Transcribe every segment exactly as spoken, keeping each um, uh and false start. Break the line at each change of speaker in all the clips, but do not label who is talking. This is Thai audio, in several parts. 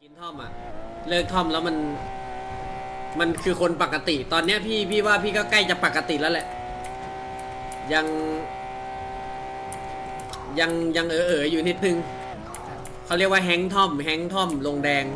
กินท่อมอะเลิกท่อมแล้วมันมันคือคนปกติตอนเนี้ยพี่พี่ว่าพี่ก็ใกล้จะปกติแล้วแหละยังยังยังเออเอออยู่นิดนึงเขาเรียกว่าแฮงท่อมแฮงท่อมลงแดง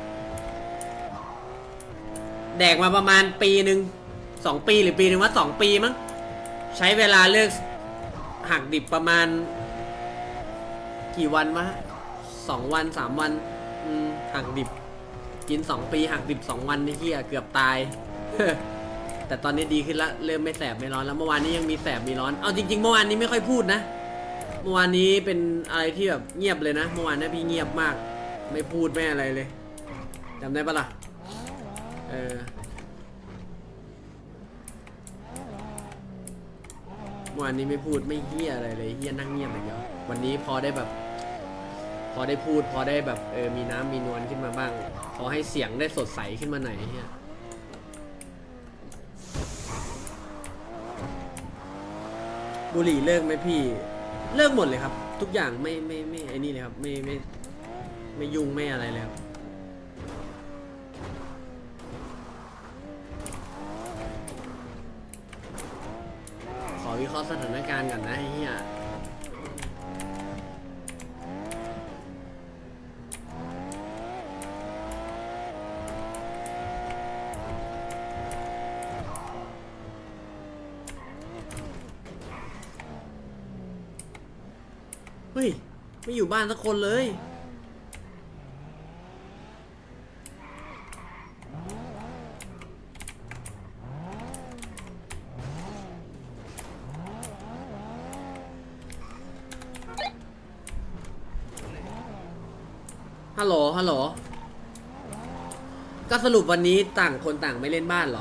แดกมาประมาณปีหนึ่งสองปีหรือปีหนึ่งว่าสองปีมั้งใช้เวลาเลิกหักดิบประมาณกี่วันวะสองวันสามวันหักดิบกินสองปีหักดิบสองวันนี่เฮียเกือบตาย แต่ตอนนี้ดีขึ้นละเริ่มไม่แสบไม่ร้อนแล้วเมื่อวานนี้ยังมีแสบมีร้อนเอาจริงๆเมื่อวานนี้ไม่ค่อยพูดนะเมื่อวานนี้เป็นอะไรที่แบบเงียบเลยนะเมื่อวานนี้พี่เงียบมากไม่พูดไม่อะไรเลยจำได้ปะล่ะเออเมื่อวานนี้ไม่พูดไม่เฮียอะไรเลยเฮียนั่งเงียบอย่างเดียววันนี้พอได้แบบพอได้พูดพอได้แบบเออมีน้ำมีนวลขึ้นมาบ้างพอให้เสียงได้สดใสขึ้นมาหน่อยเฮียบุหรี่เลิกไหมพี่เลิกหมดเลยครับทุกอย่างไม่ไม่ไม่ไอ้นี่เลยครับไม่ไม่ไม่ยุ่งไม่อะไรเลยครับขอวิเคราะห์สถานการณ์ก่อนนะไอ้เฮียเฮ้ยไม่อยู่บ้านสักคนเลยฮัลโหลฮัลโหลก็สรุปวันนี้ต่างคนต่างไม่เล่นบ้านเหรอ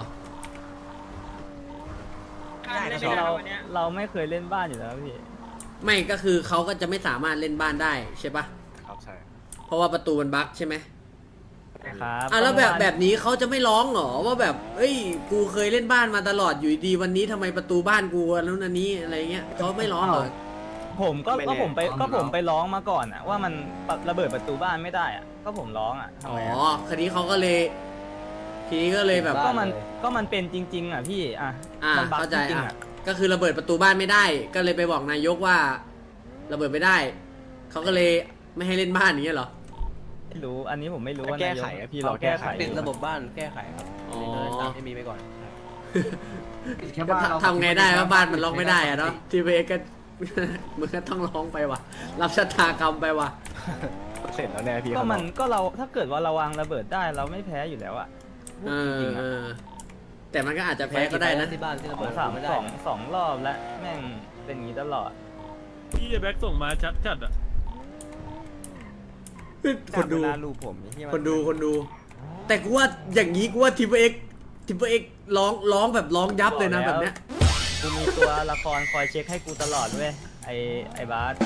เราเราไม่เคยเล่นบ้านอยู่แล้วพี่
ไม่ก็คือเขาก็จะไม่สามารถเล่นบ้านได้ใช่ปะ
ครับใช่
เพราะว่าประตูมันบั๊กใช่ไหม
ครับ
อ่ะแล้วแบบแบบนี้เขาจะไม่ร้องเหรอว่าแบบเอ้ยกูเคยเล่นบ้านมาตลอดอยู่ดีวันนี้ทำไมประตูบ้านกูแล้วนันนี้อะไรเงี้ยเขาไม่ร้องเหรอ
ผมก็ก็ผมไปก็ผมไปร้องมาก่อนอะว่ามันระเบิดประตูบ้านไม่ได้อะก็ผมร้องอะ
อ๋อคดีเขาก็เลยทีนี้ก็เลยแบบ
ก็มันก็มันเป็นจริงๆอ่ะพี่อ่ะ
อ่าเข้าใจอ่ะก็คือระเบิดประตูบ้านไม่ได้ก็เลยไปบอกนายกว่าระเบิดไม่ได้เขาก็เลยไม่ให้เล่นบ้านอย่างเงี้ยเหรอ
ไม่รู้อันนี้ผมไม่รู้ว่า
แก้ไขพี่เราแก้ไข
เป็นระบบบ้านแก้ไขครับ
อ๋อ
ให้มีไปก่อน
ทำไงได้ว่าบ้านมันล็อกไม่ได้อะเนาะทีเวก็มันก็ต้องร้องไปว่ะรับชะตากรรมไปว่ะ
เสร็จแล้วแน่พี่
ก็มันก็เราถ้าเกิดว่าเราวางระเบิดได้เราไม่แพ้อยู่แล้วอะ
เออแต่มันก็อาจจะแพ้ก็ได้นะ
ที่บ้านที่ระเบิด
สาม
ไม่ได้
สองสองรอบแล้วแม่งเป็นอย่างนี้ตลอด
พี่แบ็กส่งมาชัดจัดอ่ะ
คนดู
ลูผม
คนดูคนดูแต่กูว่าอย่างนี้กูว่าทีเอ็กทีเอ็กร้องร้องแบบร้องยับเลยนะแบบเนี้ย
กูมีตัวละครคอยเช็คให้กูตลอดเว้ยไอไอบาส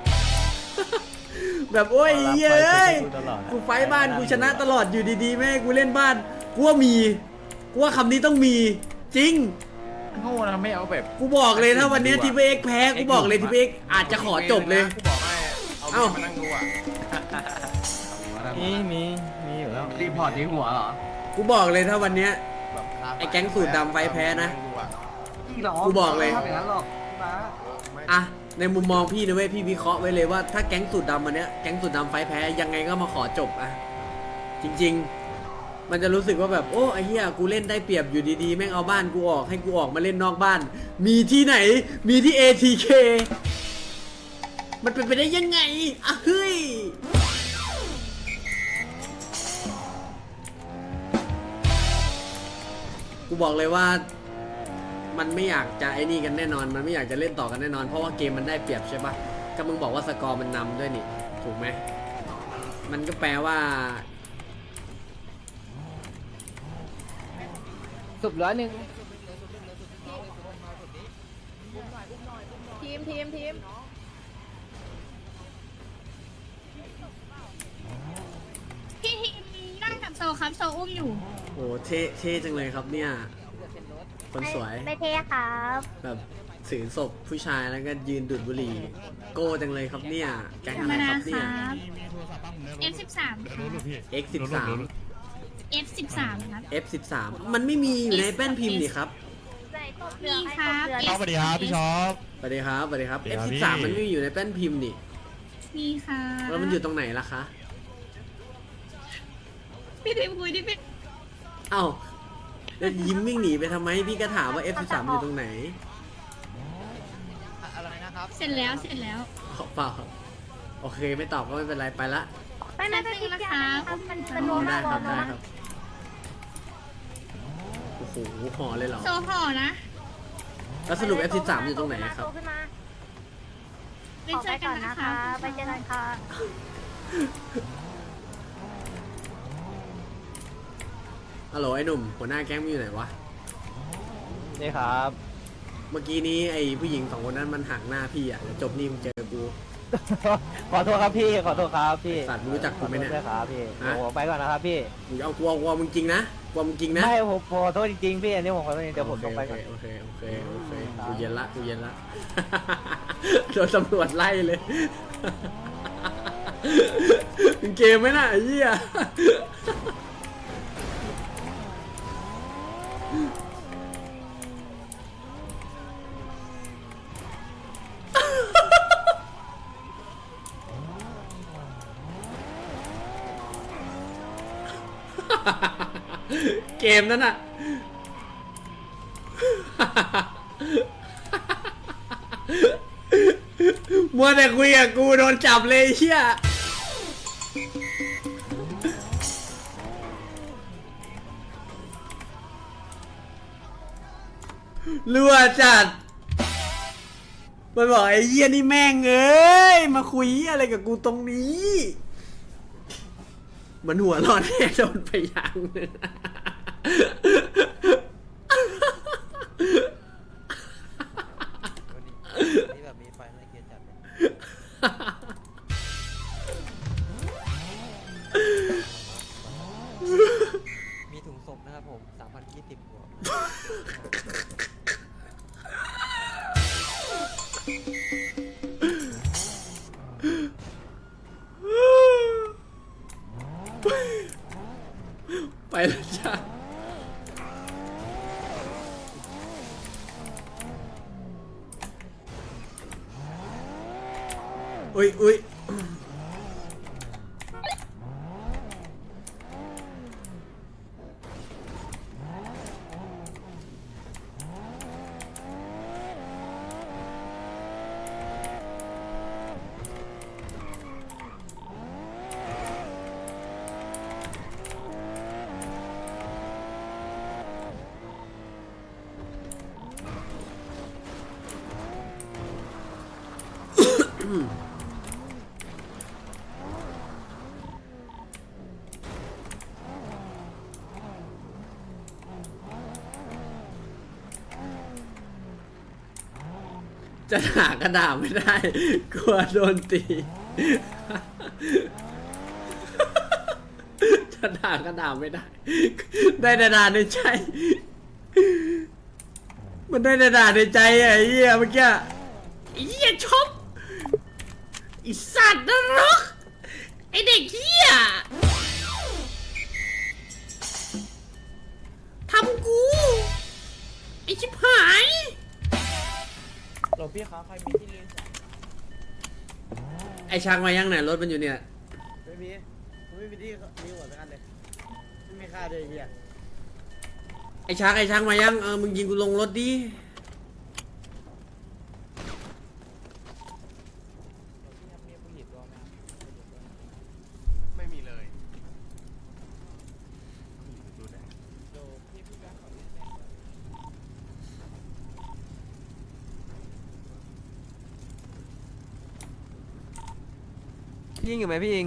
แบบโอ้ยเย้ยกูไฟบ้านกูชนะตลอดอยู่ดีๆแม่กูเล่นบ้านกูว่ามีกูว่าคำนี้ต้องมีจริง
โง่นะไม่เอาแบบ
กูบอกเลยถ้าวันนี้ทีเอ็กแพ้กูบอกเลยทีเอ็กอาจจะขอจบเลย
กูบอกให้เอามานั่งดูอ่ะ
มีมีมีอยู่แล้ว
รีพอร์ตที่หัวเหรอ
กูบอกเลยถ้าวันนี้ไอ้แก๊งสูตรดำไฟแพ้นะกูบอกเลยอ่ะในมุมมองพี่นะเว้ยพี่วิเคราะห์ไว้เลยว่าถ้าแก๊งสูตรดำวันเนี้ยแก๊งสูตรดำไฟแพ้ยังไงก็มาขอจบอ่ะจริงๆมันจะรู้สึกว่าแบบโอ้ไอ้เหี้ยกูเล่นได้เปรียบอยู่ดีๆแม่งเอาบ้านกูออกให้กูออกมาเล่นนอกบ้านมีที่ไหนมีที่ เอ ที เค มันเป็นไปได้ยังไงอ่ะเฮ้ยกูบอกเลยว่ามันไม่อยากจะไอ้นี่กันแน่นอนมันไม่อยากจะเล่นต่อกันแน่นอนเพราะว่าเกมมันได้เปรียบใช่ปะก็มึงบอกว่าสกอร์มันนำด้วยนี่ถูกไหมมันก็แปลว่า
สุดร้อยหนึ่ง
ทีมทีมทีมพี่ทีมนั่งกับโซครับโซอุ้มอยู่
โอ้เท่เท่จังเลยครับเนี่ยคนสวย
ไม่เท่ครับ
แบบถือศพผู้ชายแล้วก็ยืนดูดบุหรี่โก้จังเลยครับเนี่ยแก๊งอะไรครับเนี่ย
เอฟสิบสามค่ะ
เอ็กซ์สิบสาม
เอฟสิบสามครับ
เอฟสิบสาม มันไม่มีอยู่ในแป้นพิมพ์นี่ครับ
มีครับ
สวัสดีครับพี่ชอบ
สวัสดีครับสวัสดีครับ
สวัสดี
เอฟ
ครับ
สิ
พี่
บสาม มันไม่มีอยู่ในแป้นพิมพ์นี่
มีค่ะ
แล้วมันอยู่ตรงไหนล่ะคะ
พี่ดิมคุยดิพี่
เอ้าแล้วยิ้มวิ่งหนีไปทำไม พี่ก็ถามว่า เอฟ สิบสาม มันอยู่ตรงไหน
อะไรนะครับ
เสร็จแล้วเสร็จแล้ว
อ๋อเปล่าครับโอเคไม่ตอบก็ไม่เป็นไรไปละ
ไม่ไม่ไม่นะคะ
มัน
อ๋อได้ครับได้ครับ โอ้โหห่อเลยเหรอ
โซห่อนะ
แล้วสรุป เอฟ สิบสาม อยู่ตรงไหนครับ
ขึ้นมา
ไปเจอกันนะคะ
ไปเจอกันค่ะ
ฮัลโหลไอ้หนุ่มหัวหน้าแก๊งมึงอยู่ไหนวะ
นี่ครับ
เมื่อกี้นี้ไอ้ผู้หญิงสองคนนั้นมันหักหน้าพี่อ่ะเดี๋ยวจบนี่มึงเจอกู
ขอโทษครับพี่ ขอโทษครับพี่
สัตว์มึงรู้จักกูไหมเนี่ย
ขอโทษด้วยครับพี่
ฮะ
โอ้ไปก่อนนะครับพี่
มึงเอากลัวกลัวมึงจริงนะกลัวมึงจริงนะ
ไม่ผมขอโทษจริงๆพี่อันนี้ผมขอโทษจริงๆเดี๋ยวผมลงไปก่อน
โอเคโอเคโอเคโอเคกูเย็นละกูเย็นละ โดนตำรวจไล่เลย มึงเกมไหมน่ะไอ้เหี้ย เกมนั้นน่ะ มัวแต่คุยกับกูโดนจับเลยไอ้เชี่ยรั่วจัด มันบอกไอ้เหี้ยนี่แม่งเอ้ย มาคุยอะไรกับกูตรงนี้ มันหัวร้อนแน่โดนไปอย่างหนึง
นี่แบบมีไฟไม่เกียร์จัดเลย มีถุงศพนะครับผมสามพันยี่สิบบวก
ไปแล้วจ้าอุ้ยอุ้ยจะหากระดาษไม่ได้ กลัวโดนตี จะด่ากระดาษไม่ได้ ได้แต่ด่าในใจ มันได้แต่ด่าในใจอะไอ้เหี้ยเมื่อกี้ไอ้เหี้ยชอบไอ้สัตว์นรกไอ้เด็กเหี้ยทำกูไอ้ชิบหาย
หลวงพี่ครับใครมีที่เรียน
ไอ้ชักมายังไหนรถมันอยู่เนี่ย
ไม่มีไม่มีที่มีหัวสักอันเลยไม่มีค่าเลยเฮีย
ไอ้ชักไอ้ชักมายังเออมึงยิงกูลงรถดิ
ไม่มีเลย
พี่ยิงอยู่ไหมพี่ยิง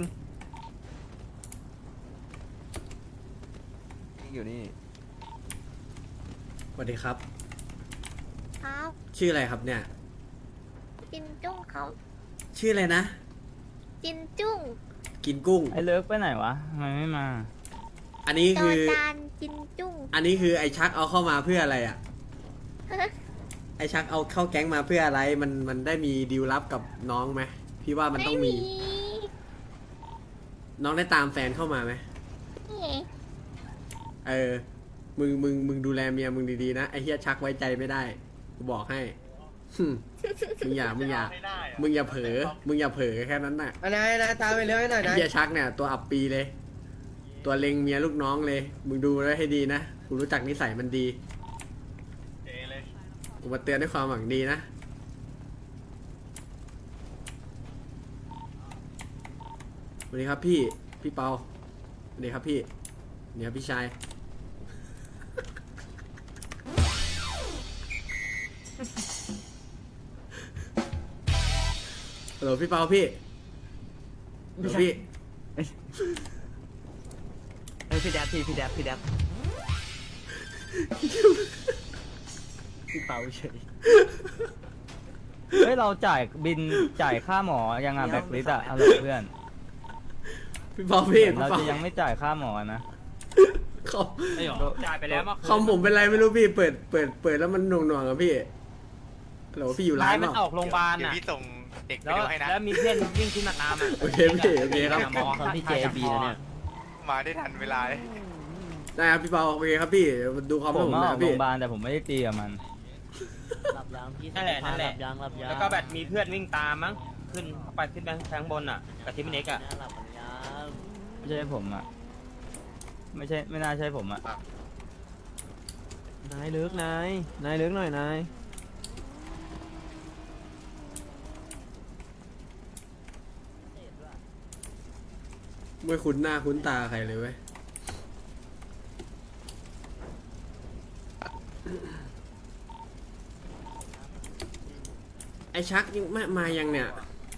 ยิงอยู่นี่
สวัสดีครับ
ครับ
ชื่ออะไรครับเนี่ย
จินจุ้งเขา
ชื่ออะไรนะ
จินจุ้ง
กินกุ้ง
ไอ้เลิกไปไหนวะทำไมไม่มา
อันนี้
จอ
คือ
จานจินจุ้ง
อันนี้คือไอ้ชักเอาเข้ามาเพื่ออะไรอ่ะ ไอ้ชักเอาเข้าแก๊งมาเพื่ออะไร มันมันได้มีดีลลับกับน้องไหมพี่ว่ามันต้องมีน้องได้ตามแฟนเข้ามาไหม
นี่
เออ มึง มึง มึงดูแลเมียมึงดีๆนะ ไอ้เฮียชักไว้ใจไม่ได้ กูบอกให้หึมึงอย่า มึงอย่า มึงอย่าเผลอ มึงอย่าเผลอแค่นั้นน่ะ
อันไหนนะตามไปเรื่อยหน่อย
ไอ้
นะ
เฮียชักเนี่ยตัวอับปีเลย ตัวเล็งเมียลูกน้องเลย มึงดูไว้ให้ดีนะ กูรู้จักนิสัยมันดี กูมาเตือนด้วยความหวังดีนะ สวัสดีครับพี่ พี่เปา สวัสดีครับพี่เดี๋ยวพี่ชาย ฮัลโหลพี่เปาพี่ฮัลโหลพี่
เฮ้ยพี่แดบพี่พี่แดบพี่แดบพี่เปาเฉยเฮ้ยเราจ่ายบินจ่ายค่าหมอยังงานแบ็คลิสอะอะไรเพื่อน
พี่เปาพี่
เรา
พี่
จะ
เปา
ยังไม่จ่ายค่าหมอนะ
คอม
ไอ้หรอ
จ่ายไปแล้ว
คอมผมเป็นไรไม่รู้พี่ เปิด เปิด เปิดแล้วมันหน่วงหน่วงๆอะพี่ฮัลโหลพี่อยู่ร้าน
มัน
เปล่า
ออกโรงพยาบาล
เดี๋ยว
อะ
พี่ส่งเด็กไป
แล้ว
ดูให้นะ
แล้วมีเพื่อนวิ่งขึ้นมาตามอะ
โอเคพี่โอเคครับ
หมอพี่เจบีนะเนี่ย
มาได้ทันเวลาเลย
ได้ครับพี่เปาโอเคครับพี่เดี๋ยวดูคอม
ผ
ให้ผม ม
มาอ
นะ
อกโร
พี่
งพยาบาลแต่ผมไม่ได้ตีกับมัน
หลับยางพี่
นั่นแหละนั่นแหละ
หลับยางหลับยาง
แล้วก็แบบมีเพื่อนวิ่งตามมั้งขึ้นไปขึ้นไปทางบนอ่ะกับทีมเน็กอ่ะ
หลับยาง
ไม่ใช่ผมอ่ะไม่ใช่ไม่น่าใช่ผมอ่ะ
นายเลิกนายนายเลิกหน่อยนาย
ไม่คุ้นหน้าคุ้นตาใครเลยเว้ยไอชักยังมามายังเนี่ย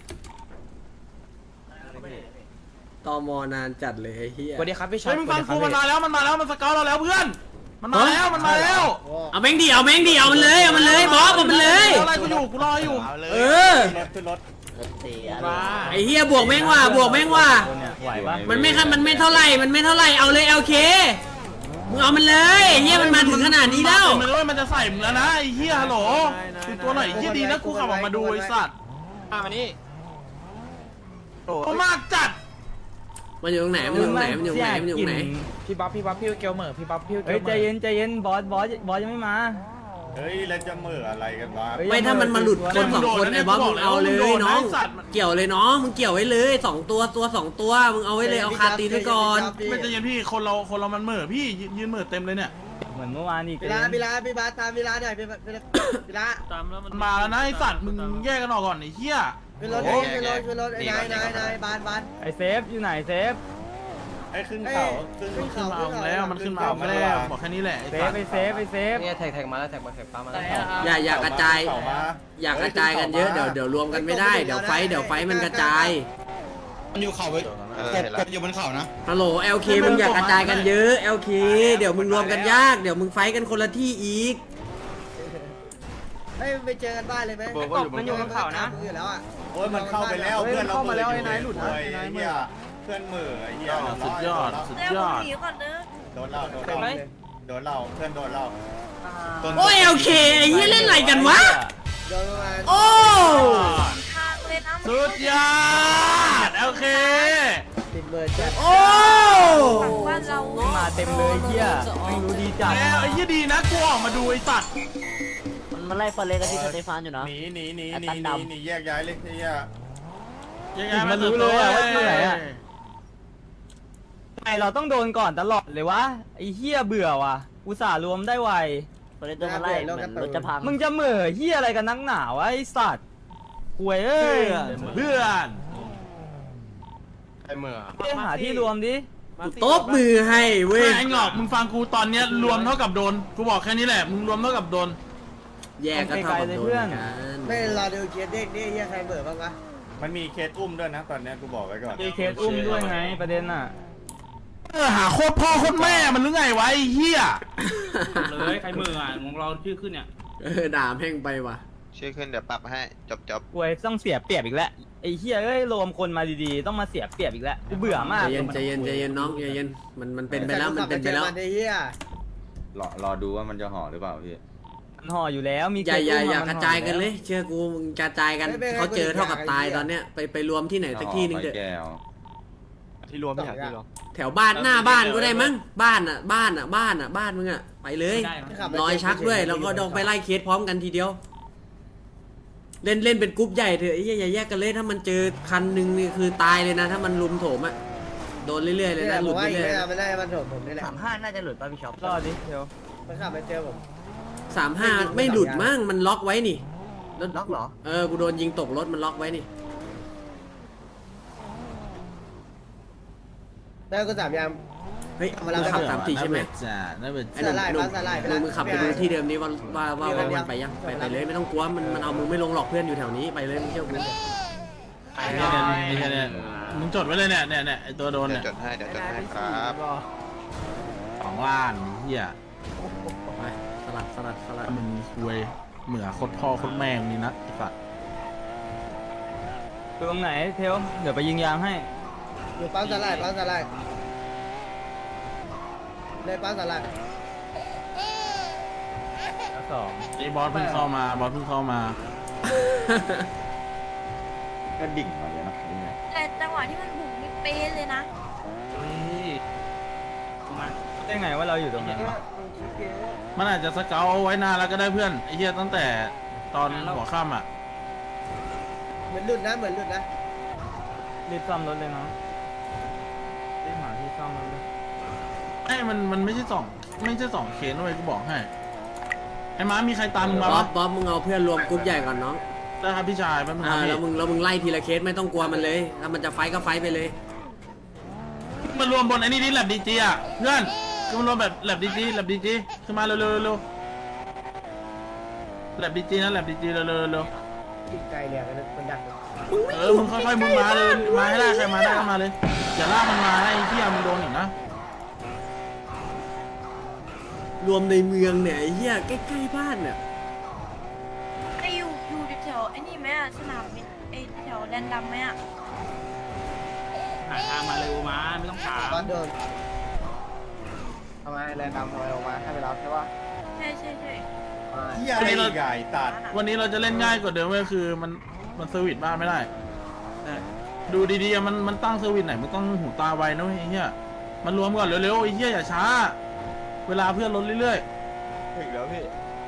ตอมอนานจัดเลยไอ้เหี้ย
สวัสดีครับพี่ชา
เฮ้ยมึงฟังกูมันมาแล้วมันมาแล้วมันสเกลเราแล้วเพื่อน มันมาแล้วมันมาแล้ว
เอาแม่งดิเอาแม่งดิเอามันเลยเอามันเลยบอสเอามันเลย
เอาอะไรกูอยู่กูรออยู่
เอาเลย
เออ
ขึ้นรถ
เสีย
มา
ไอ้เหี้ยบวกแม่งว่ะบวกแม่งว่ะ
เนี่ยไหวปะ
มันไม่คันมันไม่เท่าไหร่มันไม่เท่าไหร่เอาเลยโอเคมึงเอามันเลยไอ้เหี้ยมันมาถึงขนาดนี้แล้ว
มันเลยมันจะใส่มึงแล้วนะไอ้เหี้ยฮัลโหลดูตัวหน่อยไอ้เหี้ยดีนะกูขับออกมาดูไอ้สัตว์
มานี่
เขามากจัด
มันอยู่ตรงไหนมันอยู่ตรงไหนมันอยู่ตรงไหนมันอยู่ตรงไหน
พี่บ๊อบพี่บ๊อบพี่เกลเหม่อพี่บ๊อบพี่เฮ้ยใจเย็นใจเย็นบอสบอสบอสยังไม่มา
เฮ้ยแล้วจะเหม่ออะไรกันวะ
เฮ้ย
ไม่ถ้ามันมาหลุดคนสองคนไอ้บอสมึงเอาเลยน้องเกี่ยวเลยน้องมึงเกี่ยวไว้เลยสองตัวตัวสองตัวมึงเอาไว้เลยเอาคาตีนไว้ก่อน
ไม่ใจเย็นพี่คนเราคนเรามันเหม่อพี่ยืนเหม่อเต็มเลยเนี่ย
เหมือนเมื่อวานอีก
เวลาเวลาพี่บาสตามเวลาหน่อยพี่บาสเวลา
ตามแล้วมันมาแล้วนะไอ้สัตว์มึงแยกกันออกก่อนไอ้เหี้ย
ขึ้นรถขึ้นรถขึ้นรถนายนายนายบานบาน
ไอเซฟอยู่ไหนเซฟ
ไอ้ขึ้นเขาขึ้น
ขึ้น
ขึ้น
เขา
มาเอาแล้วมันขึ้นมาเอาแล้วบอกแค่นี้แหละไอ้
เซ
สั
ฟ
ตว์
ไอเซฟไอเซฟ
เนี่ยแท็กแท็กมาแล้วแท็กมาแท็กฟ้ามาแล้ว
อย่าอย่ากระจาย
เขามา
อย่ากระจายกันเยอะเดี๋ยวเดี๋ยวรวมกันไม่ได้เดี๋ยวไฟเดี๋ยวไฟมันกระจาย
มันอยู่เขาไว้กดอยู่บนเขานะ
ฮัลโหล แอล เค มึงอย่ากระจายกันเยอะ แอล เค เดี๋ยวมึงรวมกันยากเดี๋ยวมึงไฟกันคนละที่อีก
เฮ้ยไปเจอกันบ้านเลยไหม
มันอยู่บนเขานะ
อยู่แล้วอ่ะ
โอ้ยมันเข้าไปแล้วเพื่อนเราเข้ามาแล้วไอ้นายหลุดนะไอ้เหี้ยเพื่อนเหม่อไอ้เหี้ย
สุดยอดสุดยอด
โดนเราโดนเราโดนเราเพื่อนโดนเรา
โอ้ย แอล เค ไอ้เหี้ยเล่นอะไรกันวะ
โดนประมาณ
โอ้
สุดยอดโอเค
ติดเบอร์จัด
โอ้
มาเต็มเลยเฮียไม่รู้ดีจัด
แล้วไอ้เหี้ยดีนะกูออกมาดูไอ้สัตว์
มันมาไล่ฟาเลกับที่สเตฟานอยู่นะ
หนีหนีหนีหนีหนีหนีแยกย้ายเลยไอ้เหี้ย
ยังไง
มันรู้เลยอะว่าอยู่ไหนอะไอเราต้องโดนก่อนตลอดเลยวะไอเฮียเบื่อว่ะอุตส่าห์รวมได้ไว
ฟาเลเดินมาไล่เหมือนรถจะพัง
มึงจะเหม่อเฮียอะไรกันนักหนาวะไอสัตว์หวยเอ้ย
เพื่อน
ไอ้เหม่อ
ไปหาที่รวมดิ
กูตบมือให้เว้ย
ไอ้หงอกมึงฟังกูตอนเนี้ยรวมเท่ากับโดนกูบอกแค่นี้แหละมึงรวมเท่ากับโดน
แยกก็เท่ากับโดนกัน
ไม่รอดูเคสเด็กนี่เฮียใครเบอร์บ้างวะ
มันมีเคสอุ้มด้วยนะตอนเนี้ยกูบอกไว้ก่อน
มีเคสอุ้มด้วยไงประเด็นน่ะ
เออหาโคตรพ่อโคตรแม่มันหรือไงวะไอ้เหี้ย
เลยใครมืออ่ะของเราชื่อขึ้นเนี่ย
เออด่าแม่งไปว่ะ
ชื่อขึ้นเดี๋ยวปรับให้จบจบ
หวยต้องเสียเปรียบอีกแล้วไอเฮียเอ้ยรวมคนมาดีๆต้องมาเสียเปรียบอีกแล้วกูเบื่อมาก
ใจเย็นใจเย็นใจเย็นน้องใจเย็นมันมันเป็นไปแล้วมันเป็นไปแล้ว
เฮีย
รอรอดูว่ามันจะห่อหรือเปล่าพี่
มันห่ออยู่แล้วมี
อย่าอย่าอย่า
เคส
กระจายกันเลย เชื่อกูมึงกระจายกันเขาเจอเท่ากับตายตอนเนี้ยไปไปรวมที่ไหนสักที่นึงเถอะ
แก้ว
ที่รวมพี่หาที่รวม
แถวบ้านหน้าบ้านก็ได้มั้งบ้านอ่ะบ้านอ่ะบ้านอ่ะบ้านมึงอ่ะไปเลย
ได้นะ
รอยชักด้วยแล้วก็ดองไปไล่เคสพร้อมกันทีเดียว เล่นเล่นเป็นกรุ๊ปใหญ่เถอะไอ้เหี้ยอย่าแยกกันเลยถ้ามันเจอคันหนึ่งนี่คือตายเลยนะ ถ้ามันลุมโถมอ่ะโดนเรื่อยๆเลย
นี่แห
นะ
ละ
ห
ผ
ลุด
มว่าอีก
เรื่อย
ไม่นานไม่ได้มันโดดผมนี่แหละ
สามห้าน่าจะหลุดป่ะพี่ช็อป
รอดิเดี๋ยว
มันขับไปเจอผม
ๆสามห้าไม่หลุดมั้งมันล็อกไว้นี่แล้ว
ล็อกเหรอ
เออกูโดนยิงตกรถมันล็อกไว้นี่
แล้วก็สามยาม
เฮ้ย
เอา
มึ
มาแล้ว
งขับสามสี่ใช่ไหม
จ้าน่าเบื่อ
ไอ้หนุ่ม
สลาย
หนุ่ม
สลายไป
หนุ่ม
แล้ว
มึงขับไปดูที่เดิมนี้ว่าว่าว่าว่ามันไปยังไปไปเลยไม่ต้องกลัวมันมันเอามึงไม่ลงหรอกเพื่อนอยู่แถวนี้ไปเลยมึงเชื่อกู
เนี่ยเนี่ยเนี่ยมึงจดไว้เลยเนี่ยเนี่ยเนี่ยไอตัวโดน
เดี๋ย
เนี่
วย จดให้เดี๋ยวจดให้ครับ
สองล้านเฮีย
ไปสลัดสลัดสลัด
มึงคุยเหมือโคตรพ่อโคตรแม่งนี่นะไอ้สัตว์
ตรงไหนเทลเดี๋ยวไปยิงยางให้
อยู่ปั๊มสลายปั๊มสลายเลยปั๊มสลาย
แล้วสอง
ไอ้บอสเพิ่งเข้ามาบอสเพิ่งเข้ามา
ก็ดิ่งมาเลยนะนี่ไง
แต่จังหวะที่มันบุกนี่เป๊ะเลยนะ
เฮ้ยมา
ได้ไงว่าเราอยู่ตรงนั้นวะ
มันอาจจะสเกลไว้นานแล้วก็ได้เพื่อนไอ้เหี้ยตั้งแต่ตอนหัวค่ำอ่ะ
เหมือนหลุดนะเหมือนหลุดนะ
รีบซ่อมรถเลยเนาะรีบหาที่ซ่อมรถเลย
ไอ้มันมันไม่ใช่สองไม่ใช่สองเคสด้วยกูบอกให้ไอ้ม้ามีใครตามมึงมา
บ๊อ
ปะ
บบ๊อบมึงเอาเพื่อนรวมกรุ๊ปใหญ่ก่อนน้อง
ได้ครับพี่ชายแป๊บนึงค
อ่า
รับพี่
แล้วมึงแล้วมึงไล่ทีละเคสไม่ต้องกลัวมันเลย ถ้ามันจะไฟท์ก็ไฟท์ไปเลย
มันรวมบนไอ้นี่นี่แลบดีจีอ่ะเพื่อนคือมันรวมแบบแลบดีจีแลบดีจีขึ้นมาเร็วเร็วเร็วแลบดีจีนะแลบดีจีเร็วเร็วเร็ว
กินไกลเนี่ยมันดัก
เออมึงค่อยๆมึงมาเลยมาให้ได้ใครมาได้ก็มาเลยอย่าลากมันมาให้ไอ้เหี้ยมึงโดนอีกนะ
รวมในเมืองเนี่ยไอ้เหี้ยใกล้ๆบ้านเนี่ย
ไออยู่อยู่แถวไอ้นี่ไหมอะสนามบินไอแถวแดนดำไหมอะ
หาทางมาเร็วมาไม่ต้องถาม
ตอนโดนทำไมแรงดำทำไมออกมาให้ไปรับใช่ปะ
ใช่ใช่ใช่
เหี้ยอะไรอีกอะไอ้ตัด
วันนี้เราจะเล่นง่ายกว่าเดิมก็คือมันมันเซอร์วิสบ้านไม่ได้ ดูดีๆอะมันมันตั้งเซอร์วิสไหนมันต้องหูตาไวนะเว้ยไอ้เหี้ยมันรวมก่อนเร็วๆไอ้เหี้ยอย่าช้า เวลาเพื่อนลดเรื่อย
ถึงแล้วพี่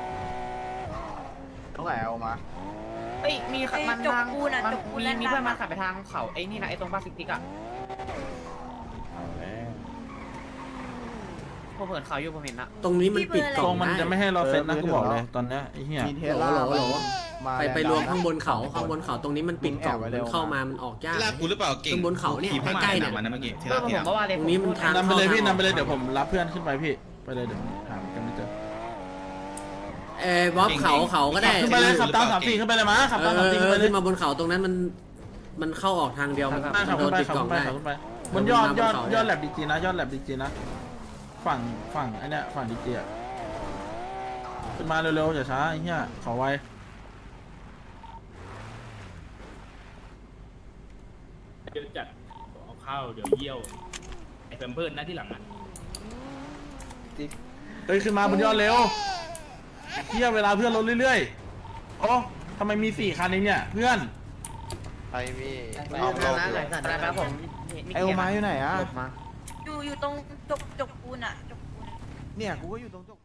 ต้องไหนเอามา
เอ้ยมีมันจกปูนอะจกปูน
มี
แดน
มี
ดำ
เพื่อนมา
อะ
ขับไปทางเขาไอ้นี่นะไอ้ตรงบ้านฟิกติกอะ
เอาแล้ว
พวกเผินเขาอยู่ผมเห็นนะ
ตรงนี้มันปิด
ๆ
ก
ต
ล่
ร
อง
งมัน
ได้
จะไม่ให้เราเซ็ตนะกูบอกเลยตอนเนี้ยไอ้เหี้ย
มีเท
โหล
ล่า
โหลโหล
มา
ไปไป
แง
รวม
ดำ
ข้างบนเขาข้างบนเขาตรงนี้มันปิดกล่อง
มึงแอบไว้
มั
เร็
น
ว
เข้ามามันออกยาก
ลากกูหรือเปล่าเก่ง
ข้างบนเขาเนี่ยใกล้ๆเนี่ย
มันนะเมื่อกี้ที่
เพื่อ
รั
น
ก
ผมบอกว่าเลย
ตรงนี้มันทาง
นำไป
เข้า
เลยพี่
ทาง
นำไปเลย
ออก
เดี๋ยวผมรับเพื่อนขึ้นไปพี่ไปเลยเดี๋ยวหากันไม่เจอ
เออบ๊อบเขาเขาก็ได้
ขึ้นไปเลยขับตามสามสี่ขึ้นไปเลยมาขับ
เอ
ตาม
อ
สามสี่
เอ
ขึ้น
อ
ไปเลย
ขึ้นมาบนเขาตรงนั้นมันมันเข้าออกทางเดียวมัน
ขั
มัน
บ
โด
ขึ้
น
นไป
ติด
ขับ
กล่อง
ขึ้นไป
ได้
ขับขึ้นไป
เออบ
นยอด
บน
ยอด
เขา
ยอด
เนี่ย
แลบดีจีนะยอดแลบดีจีนะฝั่งฝั่งไอ้เนี่ยฝั่งดีจีอะขึ้นมาเร็วๆอย่าช้าไอ้เหี้ยขอไว
เดี๋ยวจัดเอาข้าวเดี๋ยวเยี่ยวไอ้แฟมเพิร์ดนะที่หลังอ่ะ
เฮ้ยขึ้นมาบนยอดเร็วเหี้ยเวลาเพื่อนลดเรื่อยๆโอ้ทำไมมีสี่คันเองเนี่ยเพื่อน
ไอ้พี่
ไป
เอา
ทาง
ล
นั้
ง
น
อ
ไหน
ยู่
สัตว์
อะไร
นะ
นะผม
ไอโอมาอยู่ไหนอะ
มา
อยู่อยู่ตรงจกจกปูนอะจกปูน
เนี่ยกูก็อยู่ตรงจก